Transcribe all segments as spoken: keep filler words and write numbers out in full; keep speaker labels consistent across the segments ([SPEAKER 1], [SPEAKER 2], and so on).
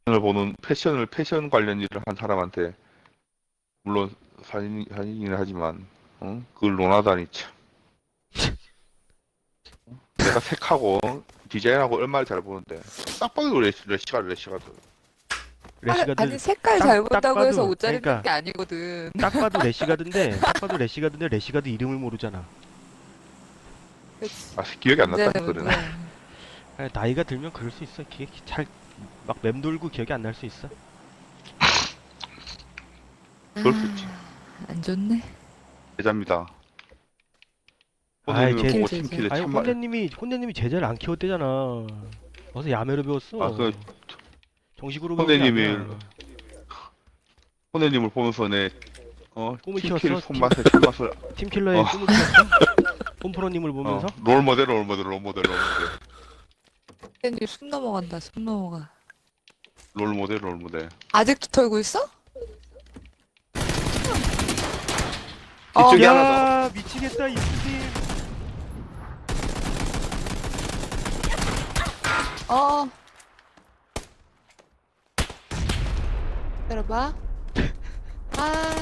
[SPEAKER 1] 을 보는 패션을 패션 관련 일을 한 사람한테 물론 사진 사진이긴 하지만 어? 그걸 논하다니 참. 내가 색하고 디자인하고 얼마나 잘 보는데 딱 봐도 레시, 레시가드 레시가드.
[SPEAKER 2] 아,
[SPEAKER 3] 래시가드
[SPEAKER 2] 아니 색깔
[SPEAKER 3] 딱,
[SPEAKER 2] 잘
[SPEAKER 3] 딱
[SPEAKER 2] 본다고 해서
[SPEAKER 3] 봐도
[SPEAKER 2] 옷 잘 입는
[SPEAKER 3] 그러니까
[SPEAKER 2] 게 아니거든.
[SPEAKER 3] 딱 봐도 래시가드인데 딱 봐도 래시가드인데 래시가드 이름을 모르잖아.
[SPEAKER 2] 그치.
[SPEAKER 1] 아 기억이 안 났다
[SPEAKER 2] 이제는
[SPEAKER 1] 그거는.
[SPEAKER 2] 그래.
[SPEAKER 3] 아, 나이가 들면 그럴 수 있어. 기억이 잘 막 맴돌고 기억이 안 날 수 있어.
[SPEAKER 1] 그럴 수 있지.
[SPEAKER 2] 아, 안 좋네.
[SPEAKER 1] 제자입니다.
[SPEAKER 3] 아이
[SPEAKER 1] 오늘
[SPEAKER 3] 제
[SPEAKER 1] 보고
[SPEAKER 2] 제자.
[SPEAKER 1] 팀킬에
[SPEAKER 3] 아니
[SPEAKER 1] 참말.
[SPEAKER 3] 혼내님이 혼내님이 제자를 안 키웠대잖아. 어서 야매로 배웠어.
[SPEAKER 1] 아, 그
[SPEAKER 3] 정식으로 배운 게
[SPEAKER 1] 혼내님이
[SPEAKER 3] 아니야.
[SPEAKER 1] 혼내님을 보면서 내 어,
[SPEAKER 3] 꿈을
[SPEAKER 1] 팀킬
[SPEAKER 3] 키웠어?
[SPEAKER 1] 손맛에 참맛을
[SPEAKER 3] 팀킬러의
[SPEAKER 1] 어.
[SPEAKER 3] 꿈을 키웠어? 홈프로님을
[SPEAKER 1] 어,
[SPEAKER 3] 보면서?
[SPEAKER 1] 롤모델 롤모델 롤모델 롤모델
[SPEAKER 2] 팬이 숨 넘어간다. 숨 넘어가.
[SPEAKER 1] 롤모델 롤모델.
[SPEAKER 2] 아직도 털고 있어?
[SPEAKER 1] 이쪽에
[SPEAKER 2] 어,
[SPEAKER 1] 하나
[SPEAKER 3] 야 미치겠다 이수님.
[SPEAKER 2] 어. 들어봐. 아,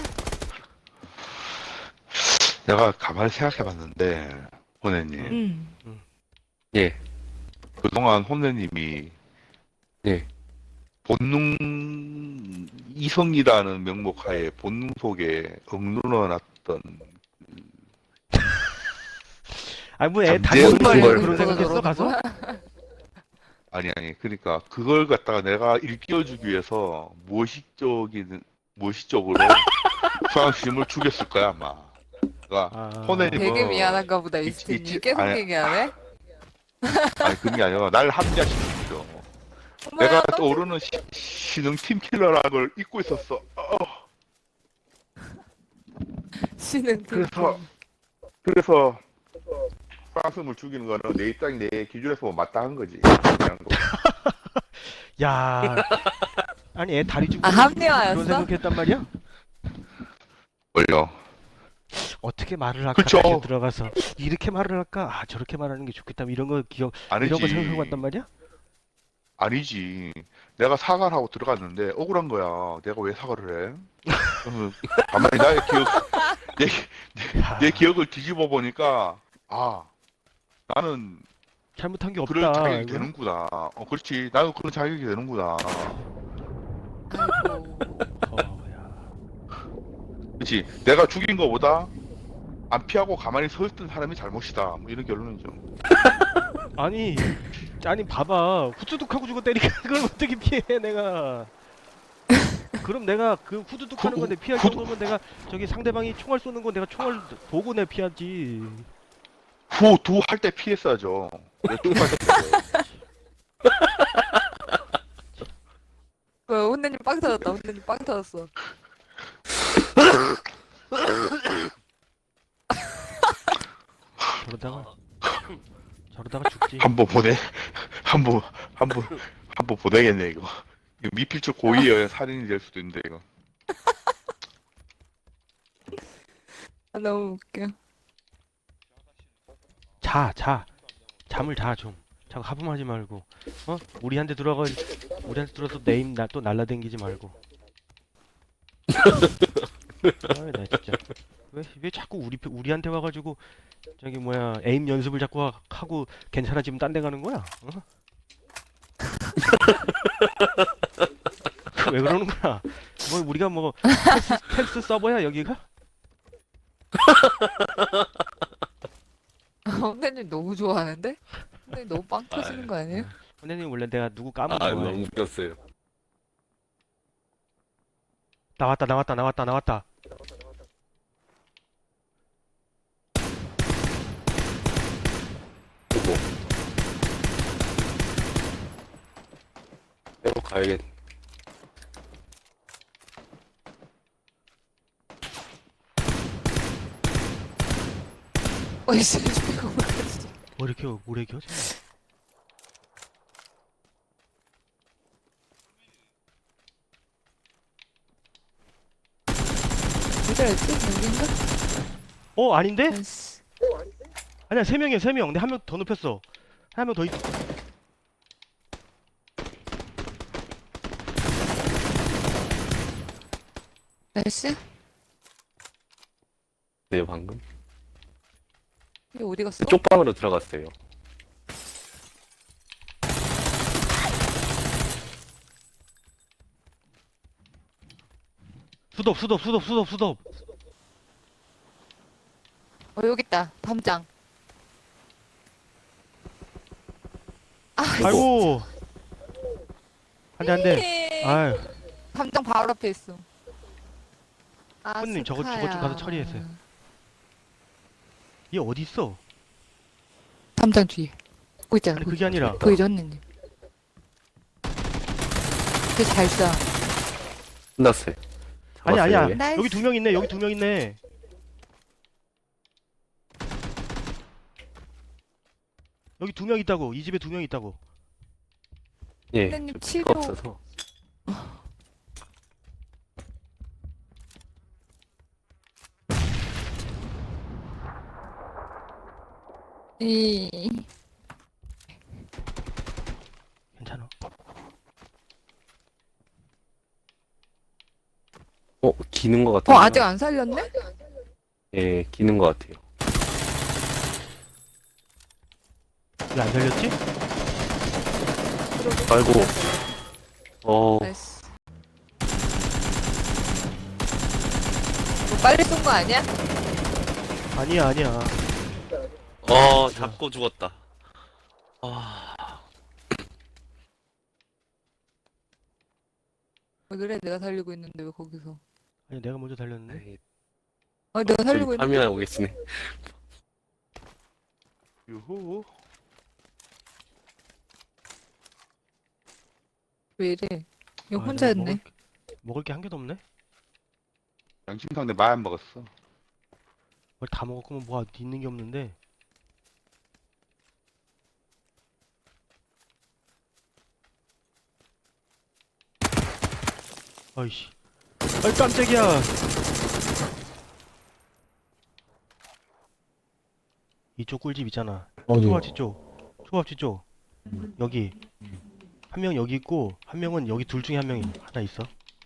[SPEAKER 1] 내가 가만히 생각해봤는데 혼내님
[SPEAKER 2] 음.
[SPEAKER 4] 예,
[SPEAKER 1] 그동안 혼내님이
[SPEAKER 4] 예.
[SPEAKER 1] 본능 이성이라는 명목하에 본능 속에 억눌러놨던
[SPEAKER 3] 아니 뭐 애
[SPEAKER 1] 잠재운
[SPEAKER 3] 다니는
[SPEAKER 1] 걸
[SPEAKER 3] 걸
[SPEAKER 1] 그런
[SPEAKER 3] 그런 생각했어 가서?
[SPEAKER 1] 아니 아니 그러니까 그걸 갖다가 내가 일깨워주기 위해서 무의식적인 무의식적으로 수강심을 죽였을 거야 아마. 그러니까
[SPEAKER 3] 아,
[SPEAKER 1] 혼내님은
[SPEAKER 2] 되게 미안한가 보다,
[SPEAKER 1] 있-
[SPEAKER 2] 이스틴이.
[SPEAKER 1] 있지-
[SPEAKER 2] 계속
[SPEAKER 1] 아니,
[SPEAKER 2] 얘기하네.
[SPEAKER 1] 아니 그런 게 아니라 날 합리화시키죠.
[SPEAKER 2] 어머야,
[SPEAKER 1] 내가
[SPEAKER 2] 너
[SPEAKER 1] 떠오르는 시, 신흥 팀킬러라는 걸 잊고 있었어. 어,
[SPEAKER 2] 씨는
[SPEAKER 1] 그래서 그래서 수강심을 죽이는 거는 내 입장이 내 기준에서 보면 마땅한 거지. 그냥 뭐.
[SPEAKER 3] 야 아니 애 다리 쭉
[SPEAKER 2] 아,
[SPEAKER 3] 그런
[SPEAKER 2] 합리화였어?
[SPEAKER 3] 생각했단 말이야?
[SPEAKER 1] 뭘요?
[SPEAKER 3] 어떻게 말을 할까
[SPEAKER 1] 그쵸.
[SPEAKER 3] 다시 들어가서 이렇게 말을 할까? 아 저렇게 말하는 게 좋겠다 이런 거 기억 이런 거
[SPEAKER 1] 아니지.
[SPEAKER 3] 생각하고 왔단 말이야?
[SPEAKER 1] 아니지. 내가 사과를 하고 들어갔는데 억울한 거야. 내가 왜 사과를 해? 그러면 가만히 나의 기억, 내,
[SPEAKER 3] 야,
[SPEAKER 1] 내 기억을 뒤집어 보니까 아 나는
[SPEAKER 3] 잘못한 게
[SPEAKER 1] 그럴
[SPEAKER 3] 없다.
[SPEAKER 1] 자격이
[SPEAKER 3] 이거?
[SPEAKER 1] 되는구나. 어 그렇지. 나도 그런 자격이 되는구나.
[SPEAKER 2] 아이고.
[SPEAKER 3] 어, 야.
[SPEAKER 1] 그렇지. 내가 죽인 거보다 안 피하고 가만히 서 있던 사람이 잘못이다. 뭐 이런 결론이죠.
[SPEAKER 3] 아니 아니 봐봐 후두둑하고 죽어 때리니까 그걸 어떻게 피해 내가. 그럼 내가 그 후두둑하는 건데 피할
[SPEAKER 1] 후-
[SPEAKER 3] 정도면 내가 저기 상대방이 총알 쏘는 건 내가 총알 보고 내 피하지.
[SPEAKER 1] 후 두 할 때 피했어야죠. 왜 두할 때 피했어요?
[SPEAKER 2] 왜 혼내님 빵 터졌다. 혼내님 빵 터졌어.
[SPEAKER 3] 저러다가 저러다가 죽지.
[SPEAKER 1] 한번 보내. 한번 한번 한번 보내겠네 이거. 이거 미필적 고의의 살인이 될 수도 있는데 이거.
[SPEAKER 2] 아, 너무 웃겨.
[SPEAKER 3] 자, 자. 잠을 자 좀. 자꾸 하품하지 말고. 어? 우리한테 들어가 우리한테 들어서 네임 나 또 날라댕기지 말고. 아, 나 진짜. 왜, 왜 자꾸 우리 우리한테 와가지고 저기 뭐야 에임 연습을 자꾸 하- 하고 괜찮아지면 딴 데 가는 거야? 어? 왜 그러는 거야? 뭐 우리가 뭐 테스, 테스트 서버야 여기가?
[SPEAKER 2] 아, 혼내님 너무 좋아하는데? 혼내님 너무 빵 터지는 거 아니에요?
[SPEAKER 3] 선생님 원래 내가 누구 까면
[SPEAKER 4] 아,
[SPEAKER 3] 좋아해.
[SPEAKER 4] 너무 웃겼어요.
[SPEAKER 3] 나왔다 나왔다 나왔다 나왔다.
[SPEAKER 4] 보고. 빼고 가야겠.
[SPEAKER 2] 어이, 씨, 이거 뭐야.
[SPEAKER 3] 뭐 이렇게 오래 겨?
[SPEAKER 2] 어디였지? 여긴가?
[SPEAKER 3] 어 아닌데?
[SPEAKER 2] 아이씨.
[SPEAKER 3] 아니야 세 명이야 세 명. 근데 한 명 더 눕혔어. 한 명 더 있.
[SPEAKER 2] 나이스.
[SPEAKER 4] 네, 방금.
[SPEAKER 2] 이게 어디 갔어?
[SPEAKER 4] 쪽 방으로 들어갔어요.
[SPEAKER 3] 수덥 수덥 수덥 수덥 수덥.
[SPEAKER 2] 어, 여기 있다. 담장. 아,
[SPEAKER 3] 아이고. 안돼 안돼.
[SPEAKER 2] 네.
[SPEAKER 3] 아유.
[SPEAKER 2] 담장 바로 앞에 있어. 아,
[SPEAKER 3] 손님, 저거- 저거 좀 가서 처리해주세요. 얘 어디 있어?
[SPEAKER 2] 담장 뒤에. 보고 있잖아.
[SPEAKER 3] 아니 그게 아니라.
[SPEAKER 2] 보이죠, 언니님? 되게 잘 쏴.
[SPEAKER 4] 끝났어요.
[SPEAKER 3] 아니
[SPEAKER 4] 잡았어요,
[SPEAKER 3] 아니야.
[SPEAKER 4] 얘?
[SPEAKER 2] 나이스.
[SPEAKER 3] 여기 두 명 있네. 여기 두 명 있네. 여기 두 명 있다고. 이 집에 두 명 있다고.
[SPEAKER 4] 예.
[SPEAKER 2] 선생님,
[SPEAKER 4] 좀
[SPEAKER 2] 치료.
[SPEAKER 4] 피가 없어서.
[SPEAKER 2] 이...
[SPEAKER 3] 괜찮아.
[SPEAKER 4] 어, 기는 것 같은데.
[SPEAKER 2] 어, 아직 안 살렸네?
[SPEAKER 4] 예, 기는 것 같아요.
[SPEAKER 3] 왜 안 살렸지?
[SPEAKER 4] 아이고. 어,
[SPEAKER 2] 나이스. 뭐 빨리 쏜 거 아니야?
[SPEAKER 3] 아니야 아니야.
[SPEAKER 4] 어, 잡고 죽었다. 아,
[SPEAKER 2] 왜 그래? 내가 살리고 있는데 왜 거기서?
[SPEAKER 3] 아니 내가 먼저 살렸는데.
[SPEAKER 4] 에이,
[SPEAKER 2] 어, 내가 살리고
[SPEAKER 4] 저기
[SPEAKER 2] 있는데.
[SPEAKER 4] 파밍하고 계시네.
[SPEAKER 1] 유후.
[SPEAKER 2] 왜 이래? 이거
[SPEAKER 3] 아,
[SPEAKER 2] 혼자
[SPEAKER 3] 내가
[SPEAKER 2] 했네.
[SPEAKER 3] 먹을, 게- 먹을 게 한 개도 없네.
[SPEAKER 1] 양심상대 많이 먹었어.
[SPEAKER 3] 뭘 다 먹었구만. 뭐 있는 게 없는데. 아이씨. 아이 깜짝이야. 이쪽 꿀집 있잖아.
[SPEAKER 5] 어디?
[SPEAKER 3] 초밥집 쪽. 초밥집 쪽. 여기. 한 명 여기 있고 한 명은 여기 둘 중에 한 명이 하나 있어.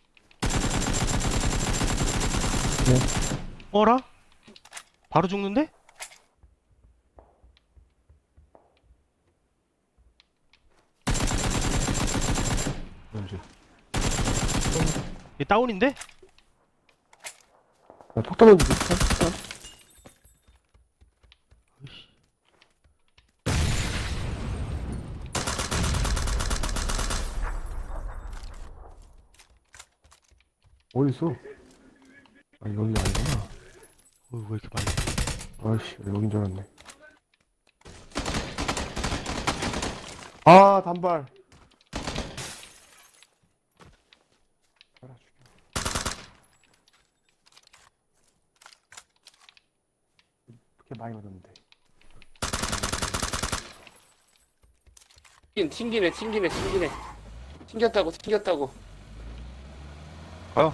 [SPEAKER 3] 어라? 바로 죽는데?
[SPEAKER 5] 뭔지.
[SPEAKER 3] 얘 다운인데?
[SPEAKER 5] 나 폭탄 던지고 폭탄?
[SPEAKER 3] 으이씨.
[SPEAKER 5] 어디 있어? 아 여기 아니구나.
[SPEAKER 3] 어, 왜 이렇게 많이?
[SPEAKER 5] 아이씨 여긴 줄 알았네. 아 단발. 알아 죽여. 그렇게 많이 맞았는데.
[SPEAKER 4] 튕긴, 튕기네, 튕기네, 튕기네. 튕겼다고, 튕겼다고.
[SPEAKER 1] 가요.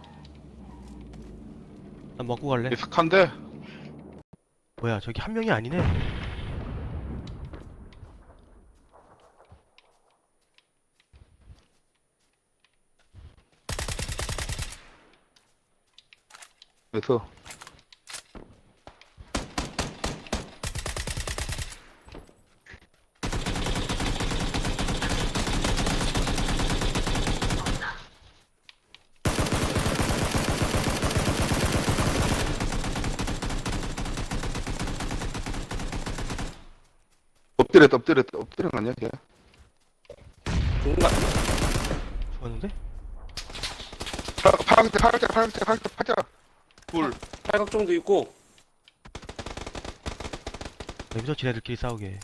[SPEAKER 3] 난 먹고 갈래.
[SPEAKER 1] 예측한데.
[SPEAKER 3] 뭐야 저기 한 명이 아니네.
[SPEAKER 1] 그래서 엎드렸다 엎드렸다 엎드린 거 아니야 걔?
[SPEAKER 4] 중간,
[SPEAKER 3] 죽었는데?
[SPEAKER 1] 파랑 파랑색 파랑색 파랑색 파랑색 파자. 불.
[SPEAKER 4] 팔각정도 있고.
[SPEAKER 3] 여기서 지네들끼리 싸우게.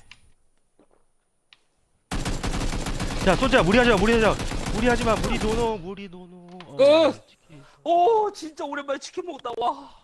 [SPEAKER 3] 야 쏘자. 무리하지마 무리하지마. 무리하지마. 무리 노노 무리 노노. 어,
[SPEAKER 4] 끝!
[SPEAKER 3] 치킨.
[SPEAKER 4] 오, 진짜 오랜만에 치킨 먹었다, 와.